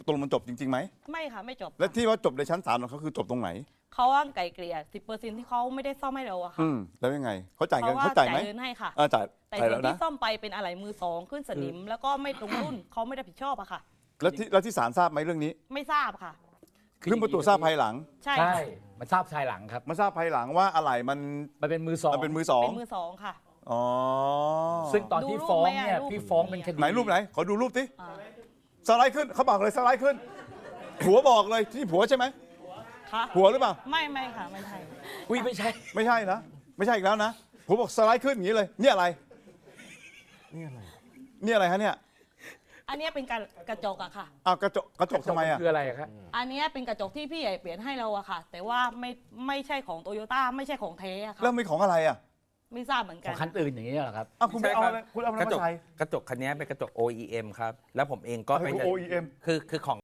ตกลงมันจบจริงๆไหมไม่ค่ะไม่จบและที่ว่าจบในชั้นศาลของเขาคือจบตรงไหนเขาว่าไก่เกลี่ย10%ที่เขาไม่ได้ซ่อมให้เราอะค่ะแล้วยังไงเขาจ่ายเงินเขาเขาจ่ายไหมเงินให้ค่ะจ่ายแต่จ่ายสิ่แล้งวที่นะซ่อมไปเป็นอะไหล่มือสองขึ้นสนิมแล้วก็ไม่ตรงรุ่นเขาไม่ได้ผิดชอบอะค่ะแล้วที่ศาลทราบไหมเรื่องนี้ไม่ทราบค่ะเพิ่งมาตรวจทราบภายหลังใช่ใช่ค่ะมันทราบภายหลังครับมาทราบภายหลังว่าอะไหล่มันมันเป็นมือสองมันเป็นมือสองเป็นมือสองค่ะอ๋อซึ่งตอนที่ดูรูปฟ้องไหมเนี่ยรูปพี่ฟ้องเป็นคดีไหนรูปไหนขอดูรูปสิอ่าสไลด์ขึ้นเขาบอกเลยสไลด์ขึ้นผัวบอกเลยที่ผัวใช่ไหมค่ะผัวหรือเปล่าไม่ค่ะไม่ใช่อุ้ยไม่ใช่ไม่ใช่นะไม่ใช่อีกแล้วนะผัวบอกสไลด์ขึ้นอย่างนี้เลยเนี่ยอะไรเนี่ยอะไรฮะเนี่ยอันเนี้ยเป็นกระจกอะค่ะอ้าวกระจกทำไมอ่ะคืออะไรครับอันเนี้ยเป็นกระจกที่พี่ใหญ่เปลี่ยนให้เราอะค่ะ แต่ว่าไม่ใช่ของโตโยต้าไม่ใช่ของเทอะค่ะแล้วมีของอะไรอ่ะไม่ทราบเหมือนขกัอน งคันอื่นอย่างนี้เหรอครับอ้าวคุณไม่เอาอะไรคุณเอาอะไรกระจมาก ใส่กระจกคันนี้เป็นกระจก OEM ครับ แล้วผมเองก็อะไรไปคือ OEM คือของ